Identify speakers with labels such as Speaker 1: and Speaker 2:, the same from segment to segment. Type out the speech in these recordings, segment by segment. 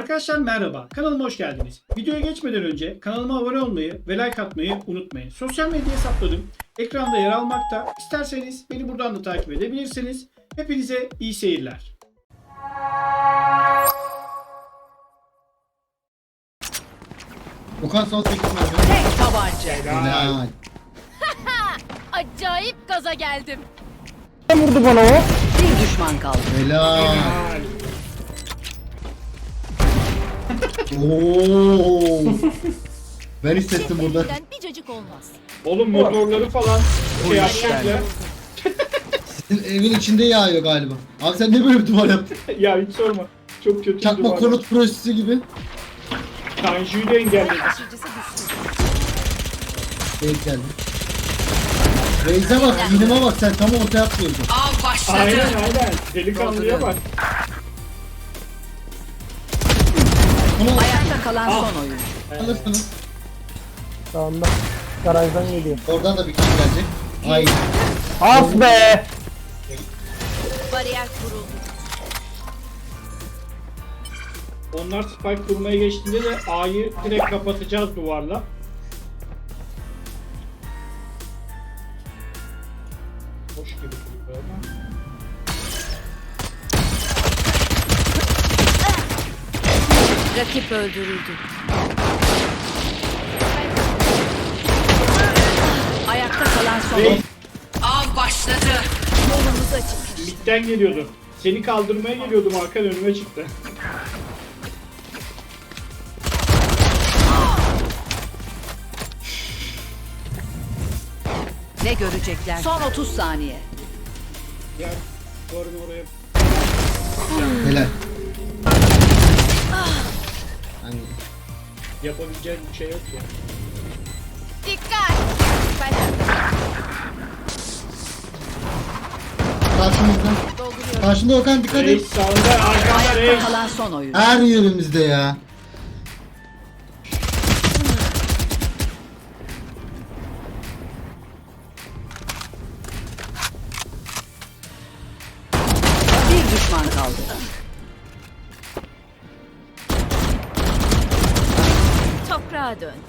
Speaker 1: Arkadaşlar merhaba, kanalıma hoş geldiniz. Videoya geçmeden önce kanalıma abone olmayı ve like atmayı unutmayın. Sosyal medya hesaplarım ekranda yer almakta. İsterseniz beni buradan da takip edebilirsiniz. Hepinize iyi seyirler.
Speaker 2: Okan son 8 mermi.
Speaker 3: Tek tabanca.
Speaker 2: Helal.
Speaker 4: Acayip gaza geldim.
Speaker 5: Vurdu bana o.
Speaker 3: Bir düşman kaldı.
Speaker 2: Helal. Oo. Ben hissettim burada.
Speaker 4: Elinden bir cacık olmaz.
Speaker 1: Oğlum motorları falan şey yapacaklar.
Speaker 2: Sizin evin içinde yağıyor galiba. Abi sen ne böyle bir duvar yaptın?
Speaker 1: Ya hiç sorma. Çok kötü.
Speaker 2: Çakma konut projesi gibi.
Speaker 1: Tanju'yu da engelledi.
Speaker 4: Taşıyıcısı düştü.
Speaker 2: Denk geldi. Reis'e bak, iğnime bak, sen tam ortaya atlıyordun.
Speaker 3: Av başladı.
Speaker 1: Aynen. Delikanlıya bak.
Speaker 2: Bunu
Speaker 3: Ayakta kalan son oyuncu.
Speaker 2: alırsınız.
Speaker 5: Sağında. Garajdan geliyor.
Speaker 2: Oradan da bir kişi gelecek. Ay.
Speaker 5: As be.
Speaker 4: Bariyer kuruldu.
Speaker 1: Onlar spike kurmaya geçtiğinde de A'yı direkt kapatacağız duvarla. Hoş gibi duruyor ama.
Speaker 3: Rakip öldürüldü. Ayakta kalan son oyuncu. Av başladı.
Speaker 4: Yolumuz açık.
Speaker 1: Mid'den geliyordu. Seni kaldırmaya geliyordum, arkan önüme çıktı.
Speaker 3: Ne görecekler? Son 30 saniye.
Speaker 1: Gel, duvarın oraya.
Speaker 2: Helal. Hani
Speaker 1: Yapabileceğin bir şey yok ya.
Speaker 4: Dikkat.
Speaker 2: karşımızda.
Speaker 4: Dolduruyorum.
Speaker 2: Karşında Okan, dikkat et.
Speaker 1: Reis sağında, arkanda
Speaker 3: Ayakta
Speaker 1: reis.
Speaker 3: kalan son oyuncu.
Speaker 2: Her yerimizde ya.
Speaker 3: Bir düşman kaldı.
Speaker 4: Toprağa dön.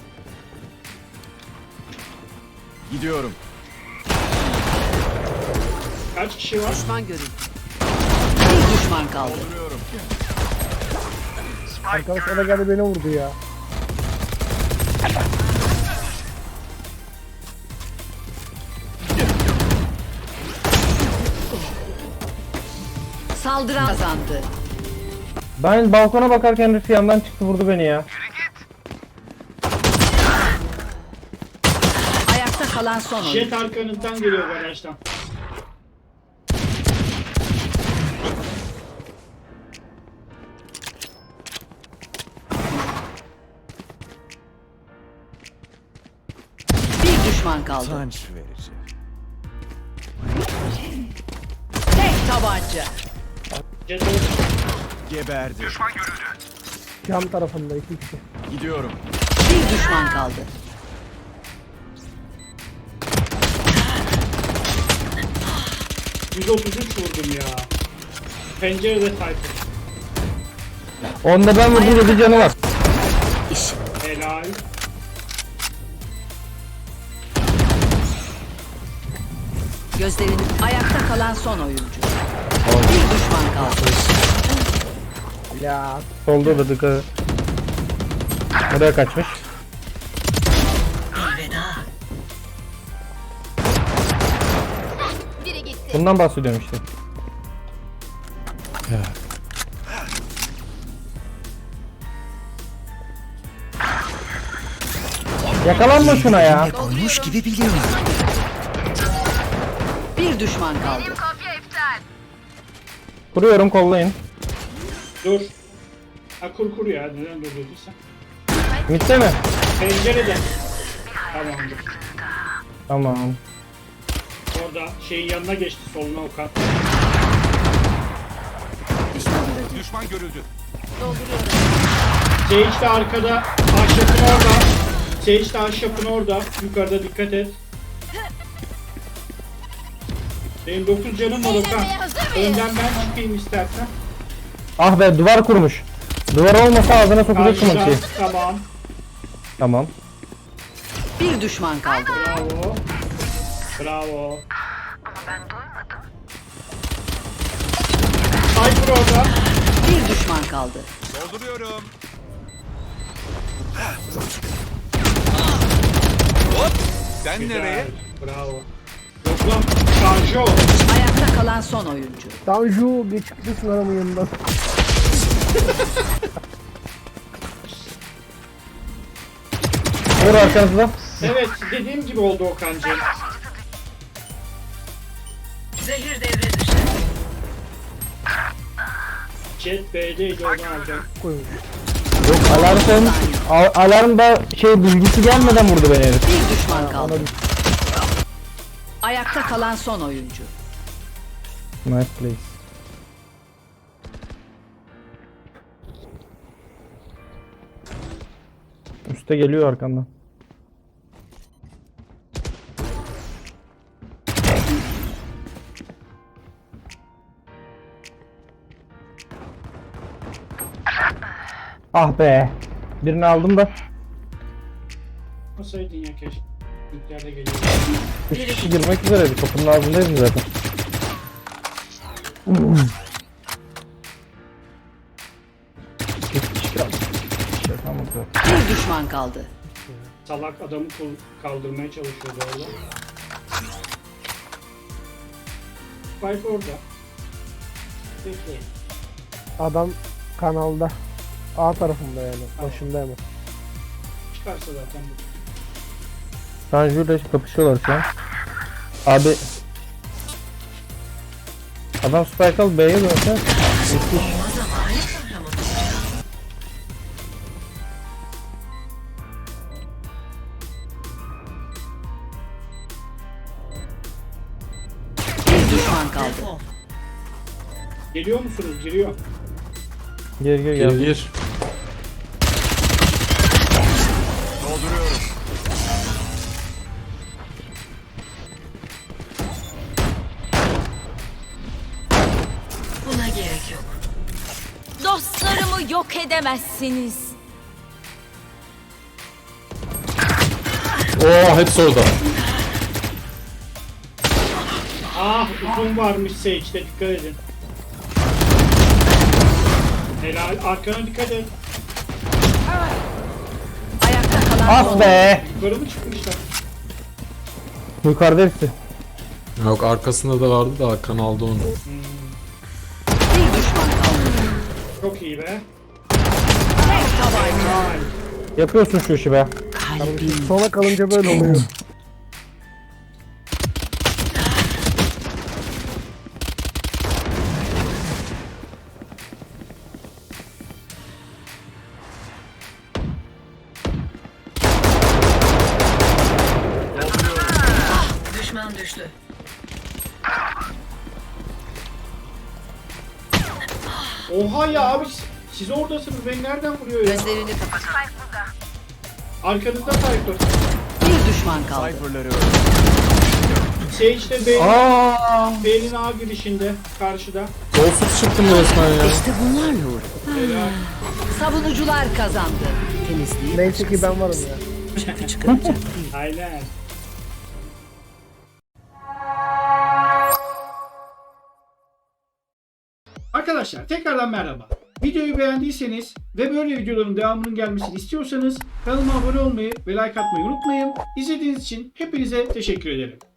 Speaker 6: Gidiyorum.
Speaker 1: Kaç kişi var?
Speaker 3: Düşman görüldü. Bir düşman kaldı.
Speaker 6: Duruyorum.
Speaker 5: Arkadaş o da geldi beni vurdu ya.
Speaker 3: Saldıran kazandı.
Speaker 5: Ben balkona bakarken Rıfı yandan çıktı vurdu beni ya.
Speaker 3: Ayakta kalan son oyuncu.
Speaker 1: Jet arkanızdan geliyor garajdan.
Speaker 3: Bir düşman kaldı.
Speaker 6: Utanç verici.
Speaker 3: Tek tabanca.
Speaker 1: Jet orada.
Speaker 6: Geberdi.
Speaker 5: Cam tarafında iki kişi.
Speaker 6: Gidiyorum.
Speaker 3: Bir düşman kaldı.
Speaker 1: %33 vurdum ya. Pencerede Tayfun.
Speaker 5: Onda ben vurdum 7 canı var.
Speaker 1: Helal.
Speaker 3: Gözlerini ayakta kalan son oyuncu. Bir düşman kaldı.
Speaker 5: Ya solda da dıkı. Oraya kaçmış.
Speaker 4: Biri gitti.
Speaker 5: Bundan bahsediyorum işte. Yakalanma şuna ya.
Speaker 3: Olmuş gibi biliyorum. Bir düşman kaldı.
Speaker 5: Kuruyorum, kollayın.
Speaker 1: Dur. Ha kur ya, neden durdurduysan.
Speaker 5: Mitte mi?
Speaker 1: Pencerede. Tamamdır.
Speaker 5: Tamam.
Speaker 1: Orada şeyin yanına geçti, soluna Okan.
Speaker 6: Düşman görüldü.
Speaker 4: Dolduruyorum.
Speaker 1: Sage de arkada, ahşapın orada. Sage de ahşapın orada. Yukarıda dikkat et. Benim 9 canım var Okan.
Speaker 4: Eğlenmeye hazır mıyız?
Speaker 1: Önden ben çıkayım istersen.
Speaker 5: Ah be, duvar kurmuş. Duvar olmasa ağzına sokacak
Speaker 1: Karşıda.
Speaker 5: ki.
Speaker 1: Tamam.
Speaker 5: Tamam.
Speaker 3: Bir düşman kaldı.
Speaker 1: Bravo. Bravo. Cypher orada.
Speaker 3: Bir düşman kaldı.
Speaker 6: Dolduruyorum. Sen
Speaker 1: Güzel.
Speaker 6: nereye?
Speaker 1: Bravo. Yok lan. Şarjı o.
Speaker 3: Ayakta kalan son oyuncu.
Speaker 7: Tanju geçiklisin adamın yanından.
Speaker 5: Vur arkanızda.
Speaker 1: Evet dediğim gibi oldu Okan'cığım.
Speaker 3: Zehir devre dışı.
Speaker 1: Jet B'deydi onu alacağım.
Speaker 7: Koymuş.
Speaker 5: Yok alarm koymuş. Alarmda bilgisi gelmeden vurdu beni herif.
Speaker 3: Bir düşman kaldı. Ayakta kalan son oyuncu.
Speaker 5: Nice place. Üste geliyor arkandan. Ah be. Birini aldım da.
Speaker 1: Masaydın ya keşke. Büyüklerde geliyor.
Speaker 5: 3 kişi girmek üzereydi. Kapının ağzındaydım zaten. Üç kişi kaldı. Tamam, zaten.
Speaker 3: Bir düşman kaldı.
Speaker 1: Salak adamı kaldırmaya çalışıyordu orada. Spike orada. Bekleyin.
Speaker 7: Adam kanalda. A tarafında yani. Başında hemen.
Speaker 1: Çıkarsa zaten bu.
Speaker 5: Tanju ile kapışıyorlar şu an. Abi adam spike al B'ye dönse müthiş.
Speaker 3: Bir düşman kaldı.
Speaker 1: Geliyor musunuz? Giriyor.
Speaker 5: Gir gir.
Speaker 6: Dolduruyorum.
Speaker 3: Buna gerek yok.
Speaker 4: Dostlarımı yok edemezsiniz.
Speaker 8: Oo hepsi orada.
Speaker 1: Ah uzun varmış Sage'de dikkat edin. Helal arkana dikkat et.
Speaker 3: Ayakta kalan son
Speaker 5: Ah be.
Speaker 1: Yukarı mı çıkmışlar?
Speaker 5: Yukarıda hepsi.
Speaker 8: Yok arkasında da vardı da Hakan aldı onu.
Speaker 3: bir düşman kaldı.
Speaker 1: Çok iyi be.
Speaker 5: Yapıyorsun şu işi be.
Speaker 7: Sona kalınca böyle oluyor.
Speaker 3: Düşman düştü.
Speaker 1: Oha ya abi siz oradasınız. Beni nereden vuruyor ya?
Speaker 3: Gözlerini kapat.
Speaker 1: Arkanızda Cypher.
Speaker 3: Bir düşman kaldı.
Speaker 6: Cypher'ları
Speaker 1: Sage de B'nin
Speaker 5: Aa.
Speaker 1: B'nin A girişinde. Karşıda.
Speaker 8: Golsuz çıktım resmen ya.
Speaker 3: İşte bunlarla uğraş.
Speaker 1: Helal.
Speaker 3: Savunucular kazandı. Temizliği
Speaker 7: Neyse ki ben varım ya.
Speaker 3: çöpü çıkaracak değil.
Speaker 1: Aynen. Arkadaşlar tekrardan merhaba. Videoyu beğendiyseniz ve böyle videoların devamının gelmesini istiyorsanız kanalıma abone olmayı ve like atmayı unutmayın. İzlediğiniz için hepinize teşekkür ederim.